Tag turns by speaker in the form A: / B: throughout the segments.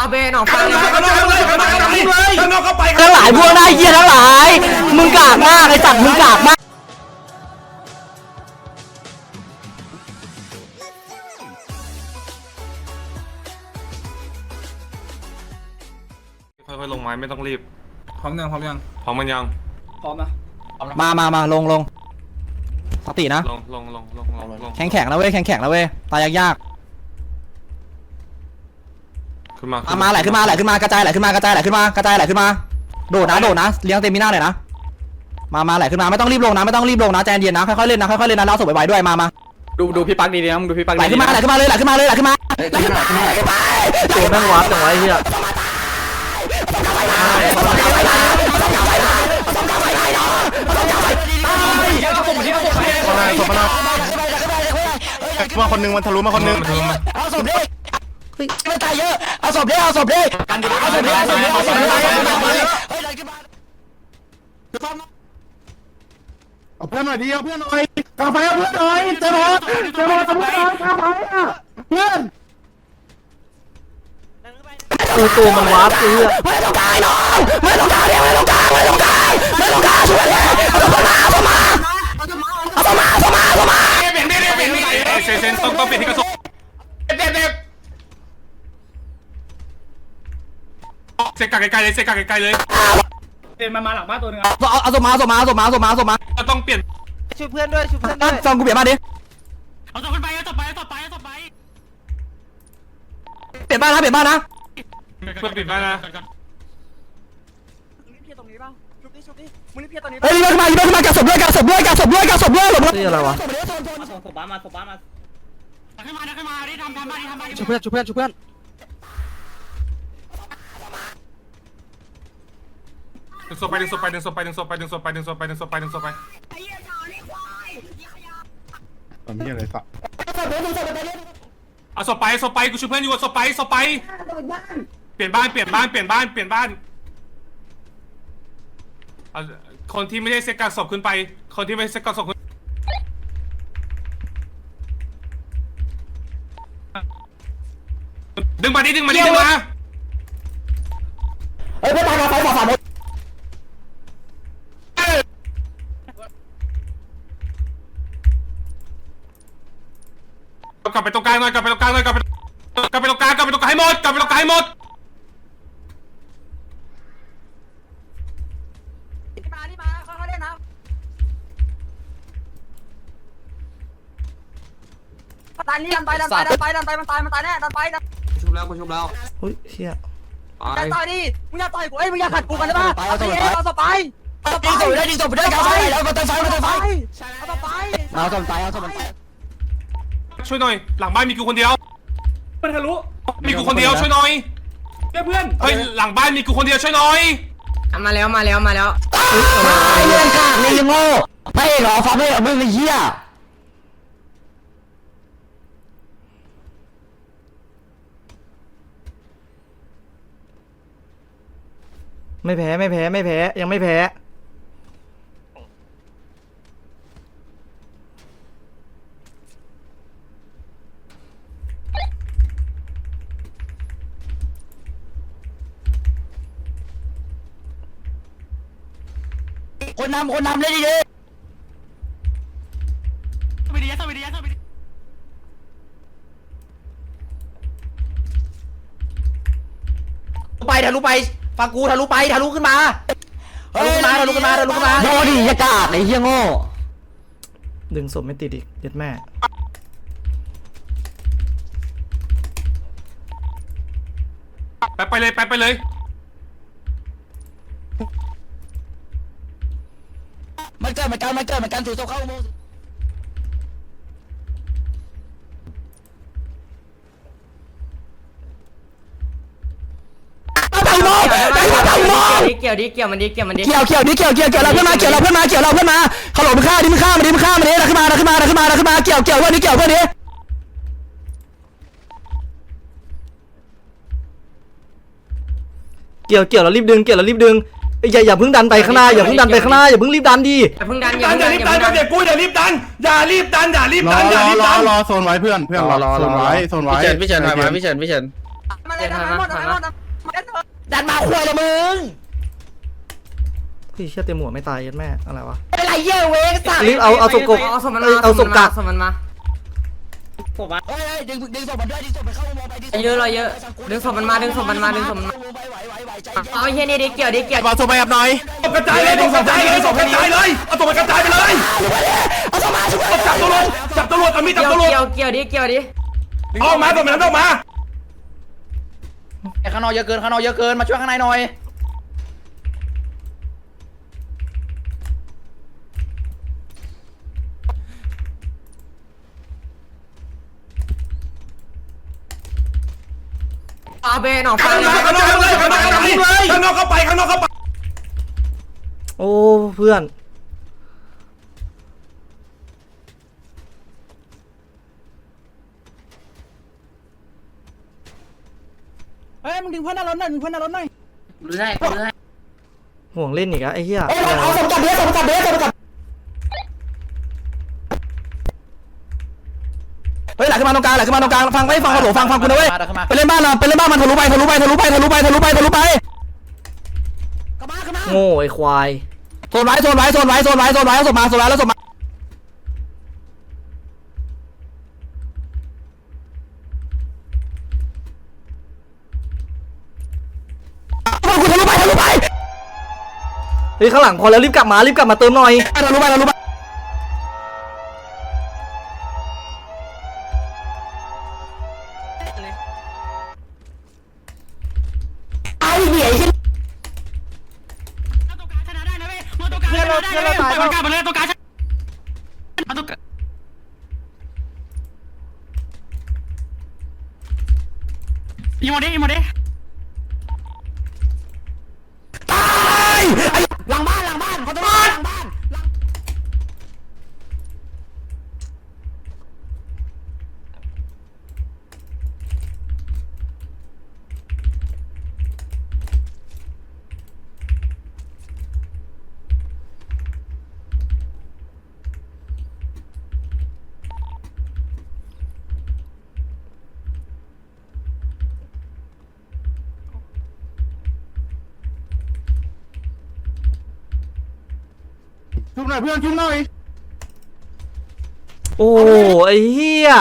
A: เบนออกฟังเลย
B: ข้างนอกเข้าไป
C: ทั้งหลายพวกหน้าเหี้ยทั้งหลายมึงกากมากไอ้สัตว์มึงกากมาก
B: ค่อยๆลงไม้ไม่ต้องรีบ
D: พร้อมยัง
B: พร้อมมันยัง
D: พร้อมนะ
C: มาลงสตินะ
B: ลง
C: แข็งแล้วเว้ยแข็งแล้วเว้ยตายยาก
B: ขึ้นมา
C: ๆมาไหลขึ้นมากระจายไหลขึ้นมาโดดนะเลี้ยงเต็มมีหน้าเลยนะมาไหลขึ้นมาไม่ต้องรีบลงนะใจเย็นนะค่อยๆเล่นนะเล่าศพไวๆด้วยมา
D: ดูพี่ปักดีๆนะดูพี่ปักดี
C: ไหลขึ้นมาตัวนั่งวัดจังไว้เฮีย
E: มาคนนึงมันทะลุมาคนนึง
C: เอาศพดิไม่ตายเยอะเอาศพดิเอาศพดิ
E: เอาเพื่อนหน่อยดิเอาเพื่อนหน่อยกาแฟเอาเพื่อนหน่อยเจะรอทำเพื่อนหน่อยกาแฟอ่ะเพื่อน
C: ตัวมันวัดเฮียไม่ต้องการน้องไม่ต้องการช่วยเลยเอามา
B: เซนต้องเปลี่ยนที่กระสุนเซกาไกลเลย
D: เดินมาหลังบ้านตัวนึง
C: เอาศพมา
B: ต้องเปลี่ยน
A: ช่วยเพื่อนด้วย
C: ฟังกูเปลี่ยนมาดิ
B: เอาต่อไป
C: เปลี่ยนบ้านนะ
B: เพื่อนปิดบ้านนะ
A: มึงรีบเพี้ยตอนนี้
C: เฮ้ยมากับศพด้วยนี่อะไรวะ
D: ส่งศพบ้านมา
B: ขึ้นมาดิทำบ้าน
C: ช่วยเพื่อน
B: ดึงศพไป
E: มันมีอะไรสัก
B: เอาศพไปกูช่วยเพื่อนอยู่ศพไปเปลี่ยนบ้านเอาคนที่ไม่ได้เซกาศพขึ้นไปคนที่ไม่ได้เซกาศพขึ้นดึงมา
C: เฮ้ยเพื่อนตายมาไฟฝ่าหมด
B: กลับไปตรงกลางหน่อยกลับไปตรงกลางให้หมด
A: มาค่อยๆเล่นนะดันไปมันตายแน่ดันไปชุบแล้ว
C: เฮ้ยเชี่ย
A: อย่าต่อยดิมึงอย่าต่อยกูมึงอย่าขัดกูกันได้ป่ะเอาต่อไป
C: ยิงศพได้กาไฟแล้วมาเติมไฟ
A: เอาต่อไป
B: ช่วยหน่อยหลังบ้านมีกูคนเดียว
D: มันทะลุ
B: มีกูคนเดียวช่วยหน่อย
D: เพื่อน
B: เฮ้ยหลังบ้านมีกูคนเดียวช่วยหน่อย
A: มาแล้ว
C: ไอ้เรื่องกากนี่ยังโง่ไม่หรอฟังไม่มึงไอ้เหี้ยไม่แพ้ยังไม่แพ้คนนำเลยดิทะลุไปฟังกูทะลุขึ้นมาโดดิยากาศไอ้เหี้ยโง่ดึงศพไม่ติดอีกเด็ดแม่
B: ไปเลย
C: มันเกิดเหมือนกันถือโซ่เข้าโม
A: เกี่ยวมันดิ
C: เกี่ยวเราเพื่อนมาขลุ่มฆ่าดิมึงฆ่ามาดิขึ้นมาเกี่ยวเพื่อนนี้เรารีบดึงอย่าเพิ่งดันไปข้างหน้าอย่าเพิ่งรีบดันดิ
A: อย่าเพิ่งดันอย่ารีบดัน
B: เด็กกูอย่ารีบดัน
E: รอโซนไว้เพื่อนรอโซนไว้
D: พี่เฉินถอยมาพี่เฉิน
A: เลยดันหมด
C: ดันมาคุยเลยมึงพี่เชื่อเต็มหัวไม่ตายยัดแม่อะไรวะอะไรเย่เวกสัตว์รีบเอาศพกบเอาศพกัก
D: ศพมันมา
C: เฮ้ยดึงศพมันด้วยดึงศพมันเข้าวงไปดึง
A: เยอะเลยเยอะดึงศพมันมาดึงศพมันมาดึงศพมันมาเอาเฮียนี่ดิเกี่ยวดิเกี่ยว
E: มาส่งไปกับหน่อยกระจายเลยส่งกระจายเลยส่งกระจายเลยเอาส่งไปกระจายไปเลยเอาส่งมาจับตำรวจเอามีดจับตำรวจ
A: เกี่ยวดิเกี่ยวดิ
E: ออกมาส่งนั้นออกมา
C: ข้างนอกเยอะเกินข้างนอกเยอะเกินมาช่วยข้างในหน่อย
A: อาเบนออก
E: ข้างนอกเข้าไปข้างนอกเข้าไป
C: โอ้เพื่อนเฮ้ยมึงดึงเพื่อนหน้ารถหน่อยดึงเพื่อนหน้ารถหน่อยห่วงเล่นอีกอะไอ้เหี้ยเอาสมจับเบี้ยสมจับเฮ้ยหลังขึ้นมาตรงกลางฟังไม่ฟังกระโหลฟังกูนะเว้ยไปเล่นบ้านมันทะลุไปโง่ไอ้ควายโซนไว้เอาศพมากูทะลุไปเฮ้ยข้างหลังพอแล้วรีบกลับมาเติมหน่อยทะลุไปไอ้เหี้ย
B: เพื่อนเราตายแล้วมาเลยตัวการอีโมเด
C: ตายหลังบ้านเขาจะมาหลังบ้าน
E: ชุบหน่อยเพื่อนชุบหน่อย
C: โอ้ไอ้เหี้ย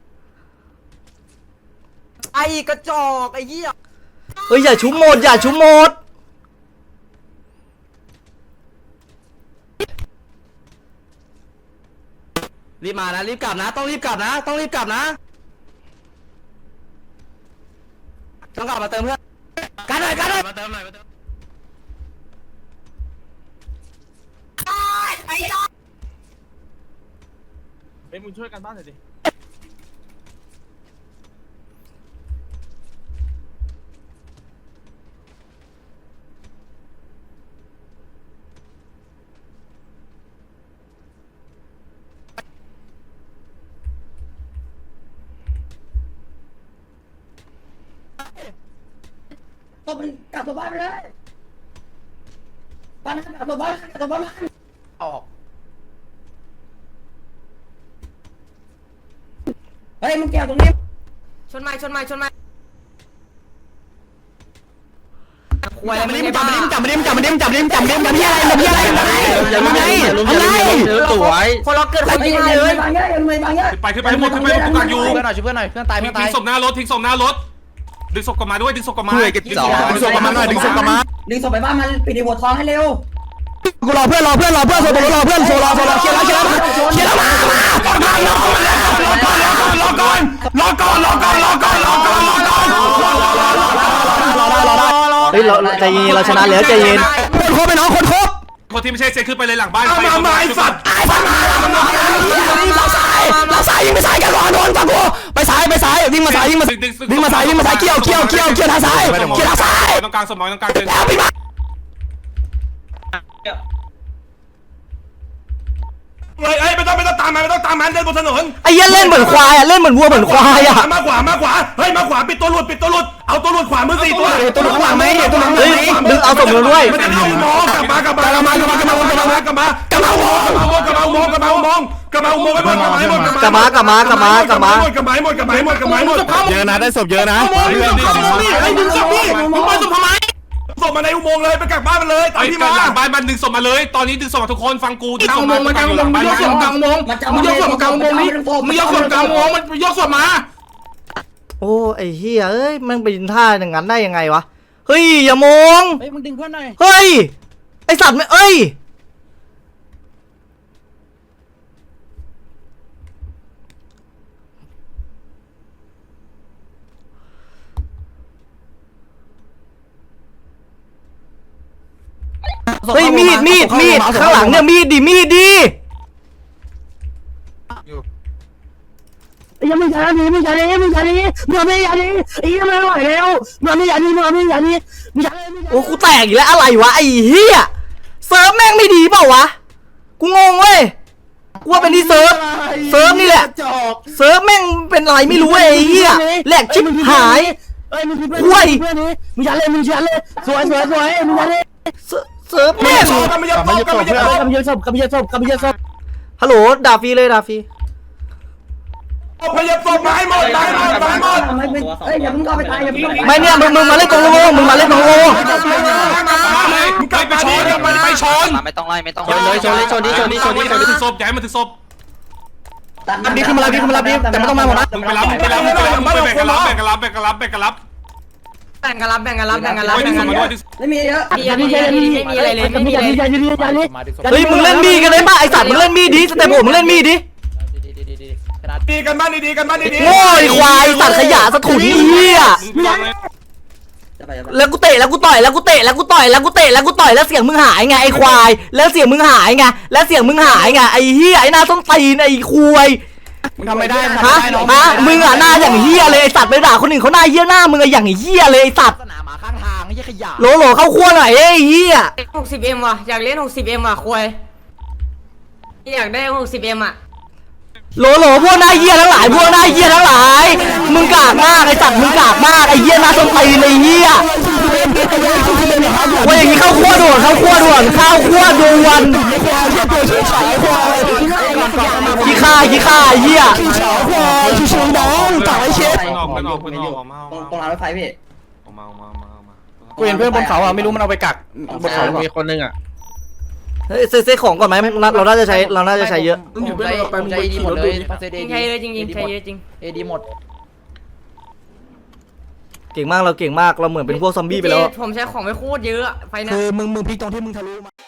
A: ไอ้กระจอกไอ้เหี้ย
C: เฮ้ยอย่าชุบหมดรีบมานะรีบกลับนะต้องรีบกลับนะต้องกลับมาเติมเพื่อนกันหน่อยมาเติม
B: เฮ้ยมึงช่วยกันบ้านหน่อยดิ
C: ต้องกลับตัวบ้านไปเลยบ้านกลับตัวบ้านออกเฮ้ยมึงแก้วตรงนี้
A: ชนไม้
C: จับมันดิจับสวย
A: คนเราเกิดคนยิงเลย
B: ขึ้นไปหมดตัวการอยู่
C: เพื่อนหน่อยช่วยเพื่อนหน่อยเพื่อนตาย
B: ทิ้งศพหน้ารถดึงศพกลับมาด้วยดึงศพกลับมา
E: ดึงศพกลับมาหน่อยดึงศพกลับมา
A: ดึงศพไปบ้านมันปิดหัวท้องให้เร็ว
C: กูรอเพื่อนโซรอเพื่อนเคลียร์แล้วเคลียร์แล้วรอเฮ้ยเราใจเย็นเราชนะแล้วใจเย็นคนครบไปน้องคนครบ
B: คนที่ไม่ใช่เซขึ้นไปเลยหลังบ้าน
E: มาไอ้สัตว์
C: เราสายยิงไปสายกันรอโดนฟังกูไปสายวิ่งมาสายเกี่ยวทางซ้าย
B: ตรงกลางสมองตรงกลางเดิน
E: เฮ้ยไม่ต้องตามมันเดินบนถนน
C: ไอ้ยันเล่นเหมือนควายอ่ะเล่นเหมือนวัวเหมือนควายอ่ะ
E: มากกว่าเฮ้ยมาขวาปิดตัวหลุดเอเอาตัวหลุดขวามือ4ตัว
C: ตัวหลังขวาไหมตัวหลังไหมดึงเอาศพมาด้วย
E: มันจะเอามองกลับมากลับมาอุโมงกลับมาอุโมงกลับมาอุโมงไปหมดกลับมาหมดกลับมาหมด
F: เยอะนะได้ศพเยอะนะ
E: ส่งมาในอุโมงค์เลยไปกักบ้านมันเลยตาม
B: ไอ้
E: ที่
B: ก
E: มา
B: หลังบ้านมันดึงศพมาเลยตอนนี้ดึงศพมาทุกคนฟังกูดึงศพมา
F: มันกลางวงมันยกศพกลางวงมันยกศพกลางวงนี้มันยกศพกลางวงมันยกศพมา
C: โอ้ไอ้เหี้ยเอ้ยมันไปยินท่าอย่างนั้นได้ยังไงวะเฮ้ยอย่ามอง
A: เฮ้ยมึงดึงเพื่อนหน่อย
C: เฮ้ยไอสัตว์ไม่เอ้ยเฮ้ยมีดข้างหลังเนี่ยมีดดิ
A: ยังไม่ยันนี่มึงไม่ยันไม่ไหวแล้วมึงไม่ยันนี่
C: โอ้กูแตกอีกแล้วอะไรวะไอ้เหี้ยเซิร์ฟแม่งไม่ดีเปล่าวะกูงงเว้ยกูว่าเป็นที่เซิร์ฟนี่แหละเซิร์ฟแม่งเป็นอะไรไม่รู้ไอ้เหี้ยแหลกชิบหายห่วยมึงยันเลยสวยมึงยันเลยเซิร์ฟแม่งฮัลโหลด่าฟรีเลยด่าฟรี
E: พยายามส่งไม้หมด
A: เฮ้ยอย่ามึงก็ไปตายอย่ามึง
C: ไม่เนี่ยมึงมาเล่นตรงโลมึงมาเล่นตรงโล
B: ไปชนไปชน
G: ไม่ต้องไล่ไม่ต้อง
C: ชนดิ
B: ถึงศพย้ายมาถึงศพ
C: รับดิขึ้นมารับดิแต่ไม่ต้องมาหมดนะ
B: มึงไปรับแบ่งกันรับ
A: แบ่งกันรับดึงศพมาด้วยไม่มีเยอะ
C: เฮ้ยมึงเล่นมีดกันเลยป่ะไอสัตว์มึงเล่นมีดดิสเตปผมมึงเล่นมีดดิ
E: ดีกันบ้านดีกันบ้านดี
C: โง่ไอควายสัตว์ขยะสะถุนเหี้ยแล้วกูเตะแล้วกูต่อยแล้วกูเตะแล้วกูต่อยแล้วเสียงมึงหายไงไอควายแล้วเสียงมึงหายไงไอเหี้ยไอหน้าส้นตีนไอควาย
F: มึงทำไม่ได้
C: ฮะมึงอ่ะหน้าอย่างเหี้ยเลยไอสัตว์ไปด่าคนอื่นเขาหน้าเหี้ยหน้ามึงอะอย่างเหี้ยเลยไอสัตว์
F: สนามหมาข้างทางไอ้ขยะ
C: โหลเข้าขั้วหน่อยไอ้เหี้ย
H: 60M ว่ะอยากเล่น 60M ว่ะคุยอยากได้ 60M อ่ะ
C: โหลพวกหน้าเหี้ยทั้งหลายมึงกากมากไอสัตว์มึงกากมากไอเหี้ยหน้าส้นตีนไอเหี้ยว่าอย่างนี้เข้าขั้วด่วนขี้ข้าไอ้เหี้ย
A: ตรงรางรถไฟพี่
F: กูเห็นเพื่อนบนเขาอ่ะไม่รู้มันเอาไปกักบนเขามีคนนึงอ่ะ
C: เฮ้ยเซ็ตของก่อนไหมเราน่าจะใช้เยอะ
G: ผมใจดีหมดเลย
H: ใช้เลยจริงใช้เยอะจริง
G: เอดีหมด
C: เก่งมากเราเหมือนเป็นพวกซอมบี้ไปแล้ว
H: ผมใช้ของไปโคตรเยอะไฟนะ
F: คือมึงพลิกตรงที่มึงทะลุมา